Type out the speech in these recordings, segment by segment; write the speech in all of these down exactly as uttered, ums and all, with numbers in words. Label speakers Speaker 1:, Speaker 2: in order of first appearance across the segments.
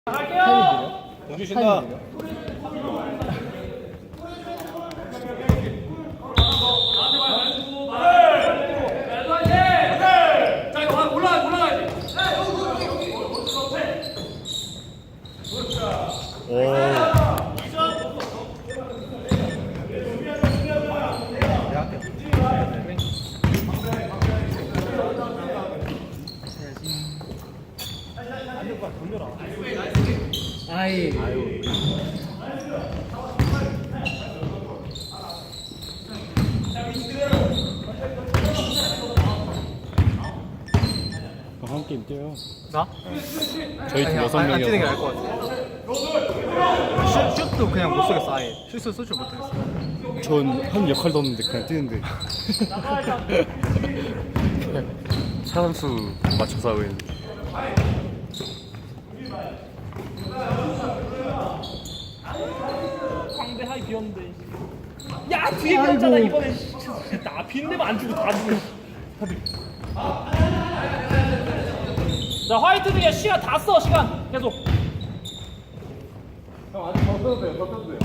Speaker 1: 할게요.
Speaker 2: 공주 쉰다.
Speaker 1: 자 이거 올라가 올라가야지.
Speaker 2: 오.
Speaker 3: 아이.
Speaker 2: 아유. 한 게임 뛰어요.
Speaker 3: 나?
Speaker 2: 저희 팀
Speaker 3: 아니야,
Speaker 2: 여섯
Speaker 3: 안, 안 뛰는 게
Speaker 2: 명이어서.
Speaker 3: 나을 것 같아. 슛, 슛도 그냥 못 쏘겠어 아예. 슛을 쏠 줄 못하겠어.
Speaker 2: 전 한 역할도 없는데 그냥 뛰는데. 사람수 맞춰서 하고 있는데.
Speaker 1: 광대 하이 비었는데. 야 뒤에 비었잖아 이번에. 나 빈대면 안 주고 다 주고. 다들. 자 화이트 등에 시간 다 써 시간 계속. 형 아직 더 써도 돼요 더 써도 돼요.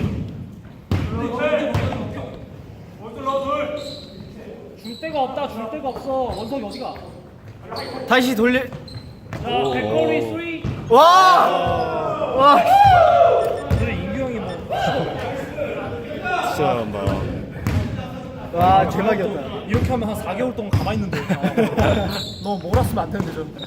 Speaker 1: 줄 데가 없다 줄 데가 없어 원석이 어디가?
Speaker 3: 다시 돌려.
Speaker 1: 자 백거리 삼.
Speaker 3: 와! 와!
Speaker 1: 그래 인규 형이 뭐.
Speaker 2: 진짜 잘한다.
Speaker 3: 와 대박이었다.
Speaker 1: 이렇게 하면 한 사 개월 동안 가만히 있는데.
Speaker 3: 너 몰았으면 안 되는데 좀.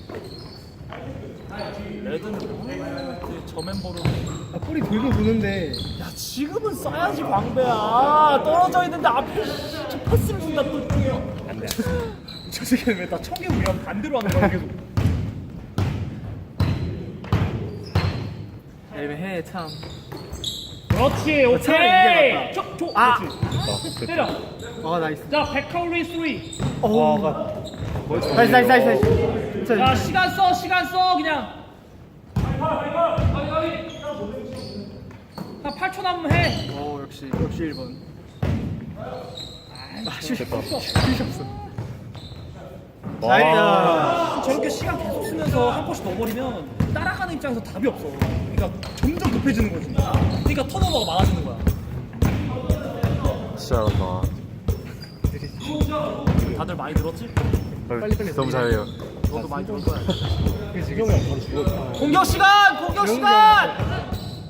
Speaker 1: 레드는 그 저 멤버로.
Speaker 3: 아, 뿌리 돌고 보는데.
Speaker 1: 야 지금은 써야지 광배야. 떨어져 있는데 앞에 저 패스를 준다 또. 안돼. 저 새끼는 왜 나 청개구리랑 반대로 하는 거야 계속.
Speaker 3: 애매해 참.
Speaker 1: 그렇지
Speaker 3: 차라리 이게
Speaker 1: 오케이. 저, 저,
Speaker 3: 아!
Speaker 1: 그렇지. 때려.
Speaker 3: 아 나이스.
Speaker 1: 자 백카우리 삼.
Speaker 3: 오. 다시 다시 다시 다시.
Speaker 1: 자
Speaker 3: 자,
Speaker 1: 시간 써 시간 써 그냥. 한 팔 초 남으면 해.
Speaker 3: 오 역시 역시 일 번. 아 슛.
Speaker 2: 됐다.
Speaker 3: 슛이 없어.
Speaker 2: 와.
Speaker 3: 나이스.
Speaker 1: 저렇게 시간 계속 쓰면서 한 골씩 넣어버리면 따라가는 입장에서 답이 없어. 그러니까 점점 급해지는 거지. 그러니까 턴오버가 많아지는 거야.
Speaker 2: 진짜 잘한다.
Speaker 1: 다들 많이 늘었지?
Speaker 3: 빨리 빨리
Speaker 2: 너무 잘해요.
Speaker 1: 너도 많이 늘을 거야.
Speaker 2: 지경이 형 바로 죽었다.
Speaker 1: 공격 시간! 공격 시간!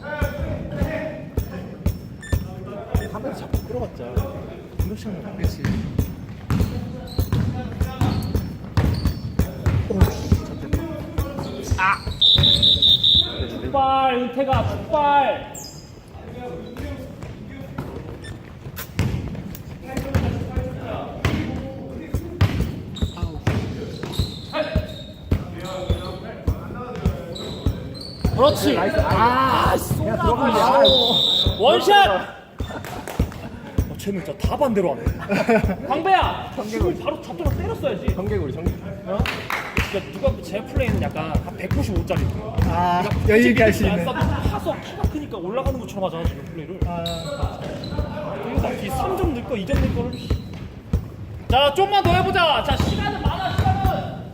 Speaker 2: 하면서 자꾸 끌어봤자. 공격 시간
Speaker 3: 그렇지.
Speaker 1: 아! 축발 은퇴가 축발. 그렇지. 아, 쏘나 원샷. 어, 쟤는 진짜 다 반대로 하네. 광배야, 지금 바로 잡자마자 때렸어야지.
Speaker 2: 청개구리 청개구리.
Speaker 1: 어? 그러니까 누가 제 플레이는 약간 한 백구십오 짜리.
Speaker 3: 아 여유 있게 할 수 있는.
Speaker 1: 파서 키가 크니까 올라가는 것처럼 하잖아 지금 플레이를.
Speaker 3: 아.
Speaker 1: 그리고 막이 삼 점 넣을 거, 이 점 넣을 거를. 자, 좀만 더 해보자. 자, 시간은 많아, 시간은.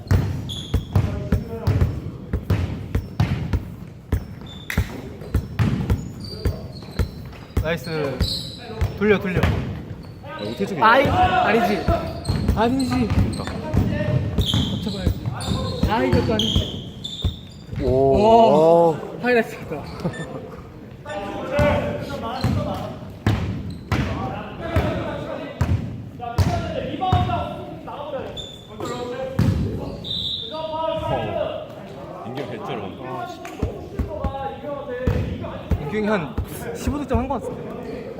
Speaker 3: 나이스. 돌려 돌려.
Speaker 2: 아, 우태중이.
Speaker 3: 아이 아니지. 아니지. 맞춰봐야지. 아 이것도 아니지.
Speaker 2: 오.
Speaker 3: 오. 하이라이트다.
Speaker 2: 인경 배째로.
Speaker 3: 인경이 한 십오 득점 한 것 같은데.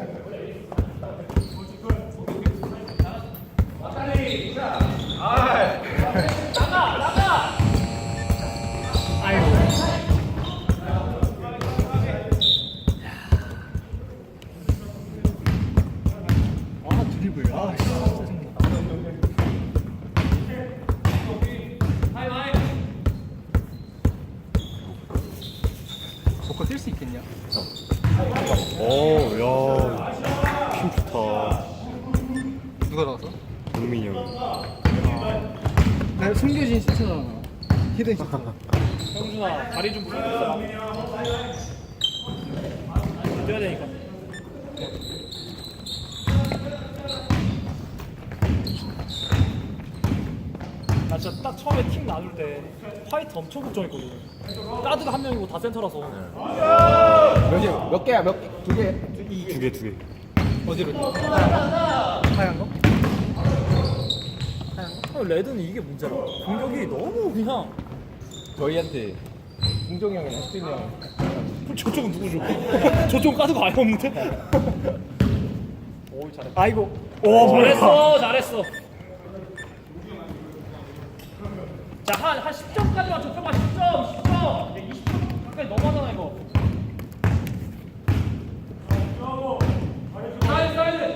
Speaker 3: 아이고. 아 드리블. 아 진짜 짜증나. 먹고 뛸 수 있겠냐?
Speaker 2: 오, 야. 힘 좋다.
Speaker 3: 누가 나왔어?
Speaker 2: 동민이 형.
Speaker 3: 나 숨겨진 시트잖아. 히든 시트.
Speaker 1: 형준아 다리 좀 불러줬어. 뛰어야 되니까. 나 진짜 딱 처음에 팀 나눌 때 화이트 엄청 걱정했거든. 가드가 한 명이고 다 센터라서.
Speaker 4: 몇이야? 몇 개야? 몇 개? 두 개?
Speaker 2: 두 개, 두 개.
Speaker 3: 어디로? 하얀 거?
Speaker 1: 어, 레드는 이게 문제라. 공격이 너무 그냥.
Speaker 4: 저희한테 승종이 형이나 혜준이 형
Speaker 1: 저쪽은 누구죠? 저쪽은 가드가 아예 없는데? 오 잘했다. 아이고. 오 잘했어 잘했어. 자한 한 십 점까지만 좁혀봐. 십 점 십 점. 이제 이십 점 가까이 넘어가잖아 이거. 사이드 사이드.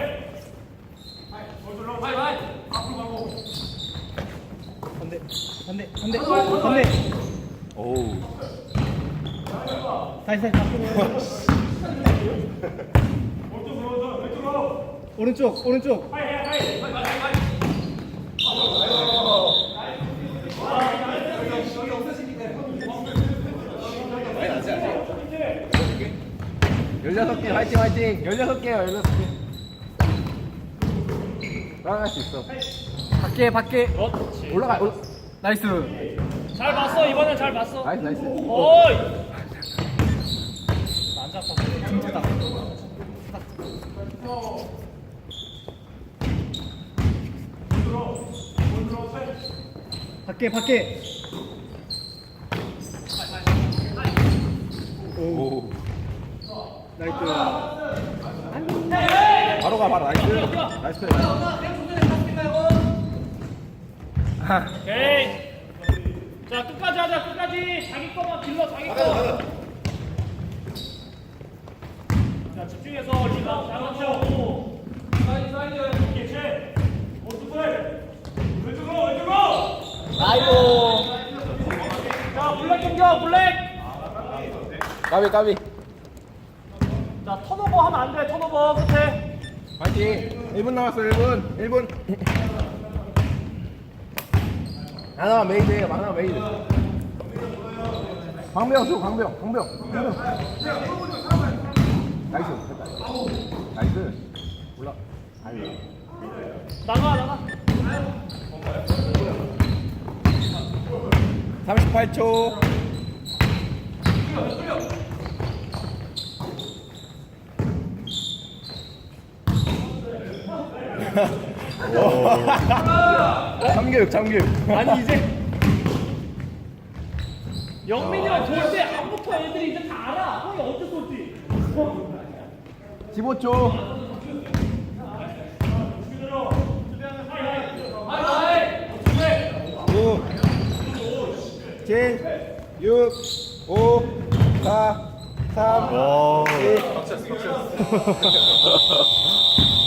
Speaker 3: 반대 반대 반대 반대.
Speaker 2: 오우.
Speaker 3: 다시 다시 앞으로. 오른쪽 오른쪽.
Speaker 4: 열여섯 개 화이팅 화이팅 열여섯 개요 열여섯 개 따라갈 수 있어
Speaker 3: 밖에 밖에.
Speaker 1: 그렇지.
Speaker 4: 올라가 올라.
Speaker 3: 나이스.
Speaker 1: 잘 봤어 이번엔 잘 봤어.
Speaker 4: 나이스 나이스
Speaker 1: 어이. 안 잡았어.
Speaker 3: 진짜다. 밖에 밖에.
Speaker 2: 오.
Speaker 3: 나이스.
Speaker 4: 바로 가 바로 나이스 나이스 플레이.
Speaker 1: 오케이. 자 끝까지 하자 끝까지. 자기 거만 길러 자기 거. 자 집중해서 리바운드 잘 맞춰오고. 사이드 사이드. 개체. 오른쪽을. 왼쪽으로 왼쪽으로. 아이고. 자 블랙 공격 블랙.
Speaker 4: 까비 까비
Speaker 1: 자 턴오버 하면 안 돼. 턴오버 끝에.
Speaker 4: 화이팅 일 분 남았어 일 분 일 분 하나 메이드 하나 메이드 광병 줘 광병 광병 광병 나이스 됐다 나이스 올라 아유
Speaker 1: 나가 나가.
Speaker 4: 삼십팔 초 참교육 참교육
Speaker 1: 아니 이제 영민이랑 돌 때 아무부터 애들이 이제 다 알아. 형이 언제 쏠지.
Speaker 4: 십오 초 구 칠 육 오 사 삼
Speaker 2: 와.
Speaker 4: 이